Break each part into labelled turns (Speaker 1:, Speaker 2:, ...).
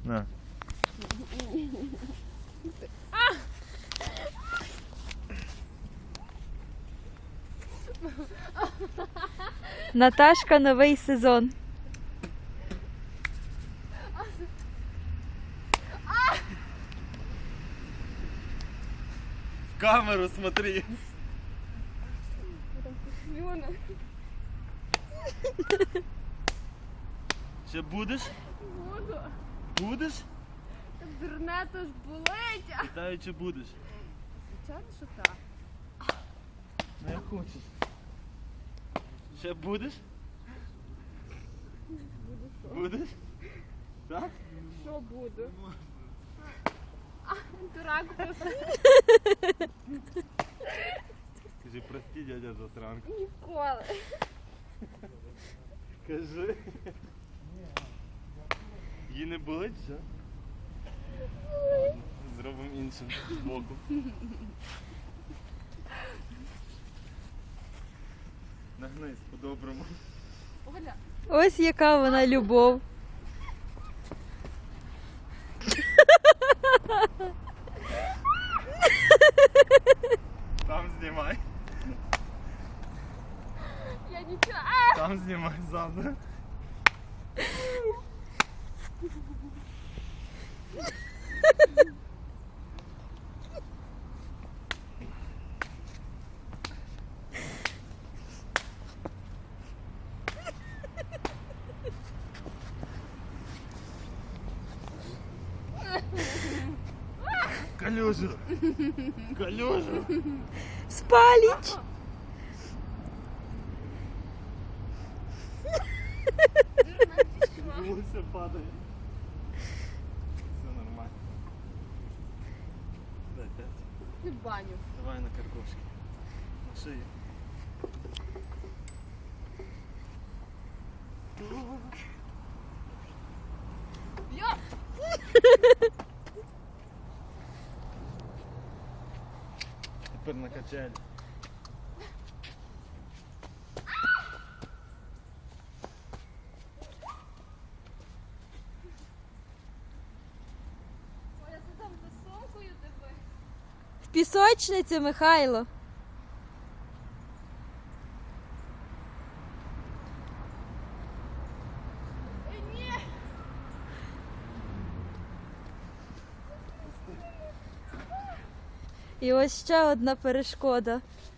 Speaker 1: На.
Speaker 2: Наташка, новий сезон.
Speaker 1: В камеру смотри. Ще будеш?
Speaker 3: Буду.
Speaker 1: Будеш?
Speaker 3: Так дурне то ж болить.
Speaker 1: Питаю, чи будеш?
Speaker 3: Звичайно, що так.
Speaker 1: Ну як хочеш. Ще будеш? Будеш? Так?
Speaker 3: Що буду? Дурак просто.
Speaker 1: Скажи, прости, дядя засранка.
Speaker 3: Ніколи.
Speaker 1: Кажи. Її не болить, що? Зробимо іншим боку. Нагнись по-доброму.
Speaker 3: Оля.
Speaker 2: Ось яка вона любов.
Speaker 1: Там знімай.
Speaker 3: Я нічого.
Speaker 1: Там знімай ззаду. Калюжу! Калюжу!
Speaker 2: Спаліч!
Speaker 1: Волосся падає. Все нормально. Дай 5.
Speaker 3: Ти в баню.
Speaker 1: Давай на каркошки. На шию.
Speaker 3: Я.
Speaker 1: Тепер на качелі.
Speaker 3: Оля, ти там високою тебе.
Speaker 2: В пісочницю, Михайло.
Speaker 3: Ні.
Speaker 2: І ось ще одна перешкода.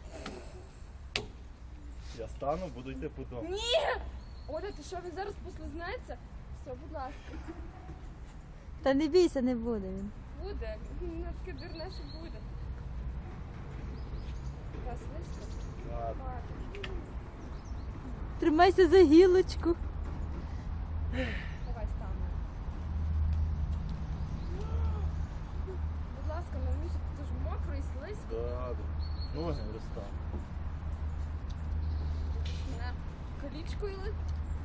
Speaker 1: Я стану, буду йти по дому.
Speaker 3: Ні. Оля, ти що, він зараз послизнається? Все, будь ласка.
Speaker 2: Та не бійся, не буде він.
Speaker 3: Буде. Ну, таке дурне, що буде. Та слизько.
Speaker 1: Ладно.
Speaker 2: Тримайся за гілочку.
Speaker 3: Давай стану. Будь ласка, не вміш, ти ж мокрий, слизько.
Speaker 1: Добре. Ноги розстав.
Speaker 3: Мене колічкою ли?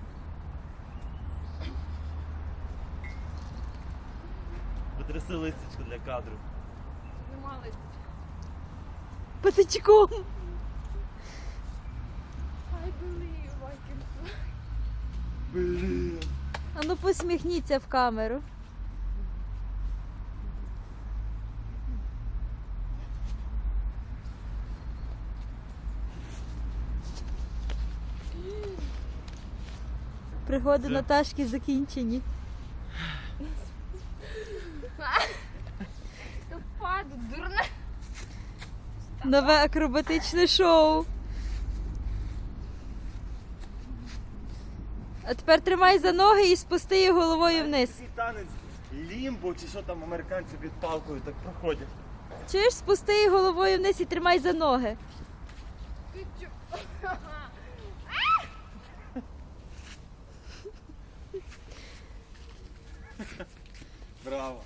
Speaker 1: Потряси листечко для кадру.
Speaker 3: Нема листочка.
Speaker 2: Патичком.
Speaker 3: I believe I can fly.
Speaker 1: Блін.
Speaker 2: Ану посміхніться в камеру. Пригоди
Speaker 1: Це-
Speaker 2: Наташки закінчені.
Speaker 3: Та паду, дурне.
Speaker 2: Нове акробатичне шоу. А тепер тримай за ноги і спусти її головою вниз.
Speaker 1: Такий танець лімбо, чи що там американці під палкою так проходять.
Speaker 2: Чуєш, спусти її головою вниз і тримай за ноги.
Speaker 3: Ти чо?
Speaker 1: Браво.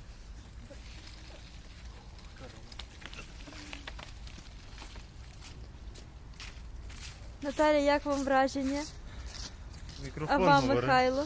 Speaker 2: Наталя, як вам враження? А
Speaker 1: Мікрофон
Speaker 2: вам,
Speaker 1: говори.
Speaker 2: Михайло?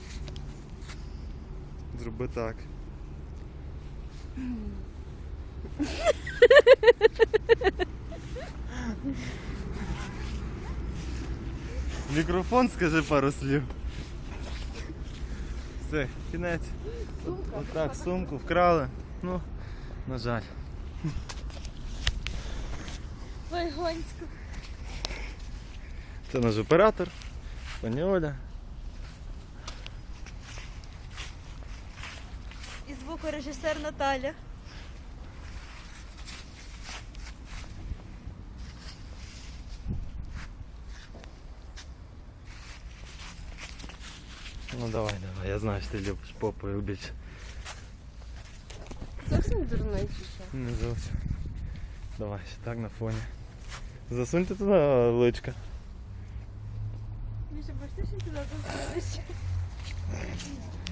Speaker 1: Зроби так. Мікрофон, скажи пару слів. Все, кінець.
Speaker 3: Сумка.
Speaker 1: Отак, сумку вкрали. Ну, на жаль.
Speaker 2: Вайгонську.
Speaker 1: Це наш оператор, пані Оля.
Speaker 2: І звукорежисер Наталя.
Speaker 1: Ну давай, я знаю, що ти любиш попою більше.
Speaker 3: Зовсім дурний чи що?
Speaker 1: Не зовсім. Давай, ще так на фоні. Засуньте туди личка.
Speaker 2: Міша, бачиш, що туди засунеш?